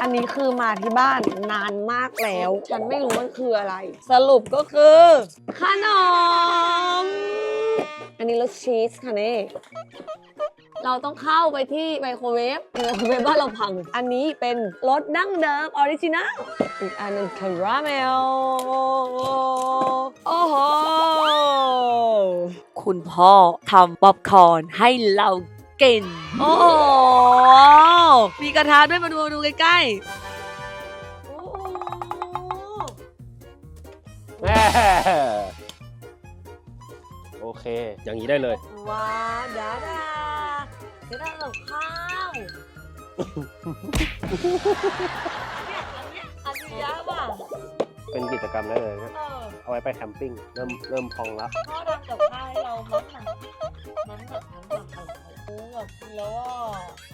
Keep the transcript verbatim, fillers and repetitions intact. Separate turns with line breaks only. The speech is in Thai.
อันนี้คือมาที่บ้านนานมากแล้ว ฉันไม่รู้มันคืออะไร สรุปก็คือขนม อันนี้รสชีสค่ะนี่ เราต้องเข้าไปที่ไมโครเวฟไมโครเวฟบ้านเราพัง อันนี้เป็นรสดั้งเดิมออริจินัล อีกอันหนึงคาราเมล โอ้โห คุณพ่อทำป๊อปคอร์นให้เรากิน โอ้โห มีกระทะด้วยมาดูมาดูใกล้ๆ โอ้โห
แม่โอเค อย่างนี้ได้เลย
ว้าวดาดาเดี๋ยวได้กับข้าวเนี่ยอันเนี้ยอันนี้ยากว่ะ
เป็นกิจกรรมได้เลยนะ
เออ
เอาไว้ไปแคมปิ้ง เริ่มเริ่มพองแล้ว
พ่อทำกับข้าวให้เรามันหนักมันแบบมันหนักอะไรโอ้แบบกินแล้วอ่ะ